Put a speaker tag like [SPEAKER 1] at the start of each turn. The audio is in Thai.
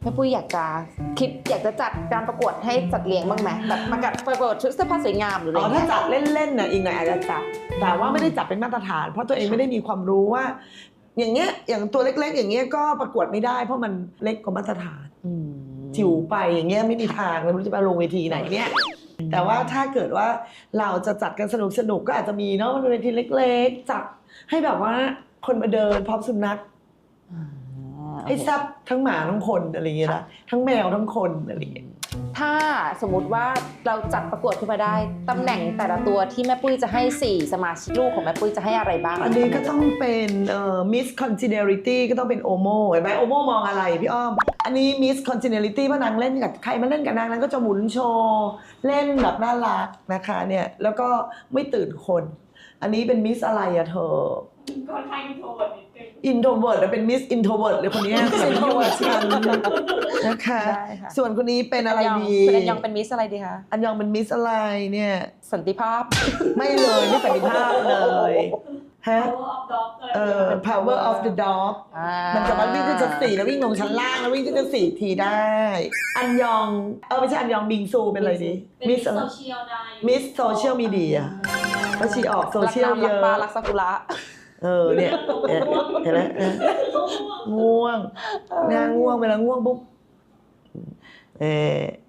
[SPEAKER 1] ม่ปุ้ยอยากจะจัดการประกวดให้จัดเลี้ยงบ้างไหมแบบประกวดชุดเสื้อผ้าสวยงามหรืออะไร
[SPEAKER 2] ถ้าจัดเล่นๆนะอีกหน่อยอาจจะจัดแต่ว่าไม่ได้จัดเป็นมาตรฐานเพราะตัวเองไม่ได้มีความรู้ว่าอย่างเงี้ยอย่างตัวเล็กๆอย่างเงี้ยก็ประกวดไม่ได้เพราะมันเล็กกว่ามาตรฐานจิ๋วไปอย่างเงี้ยไม่มีทางไม่รู้จะไปลงเวทีไหนเนี่ยแต่ว่าถ้าเกิดว่าเราจะจัดกันสนุกก็อาจจะมีเนาะเวทีเล็กๆจัดให้แบบว่าคนมาเดินพร้อมสุนัขให้แซ่บทั้งหมาทั้งคนอะไรอย่างเงี้ยนะทั้งแมวทั้งคนอะไรอย่างเงี้ย
[SPEAKER 1] ถ้าสมมติว่าเราจัดประกวดขึ้นมาได้ตำแหน่งแต่ละตัวที่แม่ปุ้ยจะให้4สมาชิกลูกของแม่ปุ้ยจะให้อะไรบ้าง
[SPEAKER 2] อันนี้ก็ต้องเป็นMiss Congeniality ก็ต้องเป็นโอโมเห็นไหมโอโมมองอะไรพี่อ้อมอันนี้ Miss Congeniality เพราะนางเล่นกับใครมาเล่นกับนางนั้นก็จะหมุนโชว์เล่นแบบน่ารักนะคะเนี่ยแล้วก็ไม่ตื่นคนอันนี้เป็น Miss อะไรอะเธอ
[SPEAKER 3] คนไทยอินโทรเวิร์ดนิดนึง
[SPEAKER 2] อินโทรเวิร์ดเป็นมิสอินโทรเวิร์ดเลยคนนี้อินโทรเวิร์ดนะคะส่วนคนนี้เป็นอะไรดี
[SPEAKER 1] คุณอันยองเป็นมิสอะไรดีคะ
[SPEAKER 2] อันยองเป็นมิสอะไรเนี่ย
[SPEAKER 1] สันติภาพ
[SPEAKER 2] ไม่เลยไม่สันติภาพเลยฮะ
[SPEAKER 3] power of the dog
[SPEAKER 2] มันจะมาวิ่งขึ้นชั้น4แล้ววิ่งลงชั้นล่างแล้ววิ่งขึ้นชั้น4ทีได้อันยองไม่ใช่อันยองบิงซูเป็นอะไรดี
[SPEAKER 3] มิสโซเชียลได้
[SPEAKER 2] มิสโซเชียลมีเดียก็ชีออกโซเชียลเยอะ
[SPEAKER 1] รักปลารักซากุระ
[SPEAKER 2] เนี่ยเห็นไหมง่วงง่วงเวลาง่วงปุ๊บ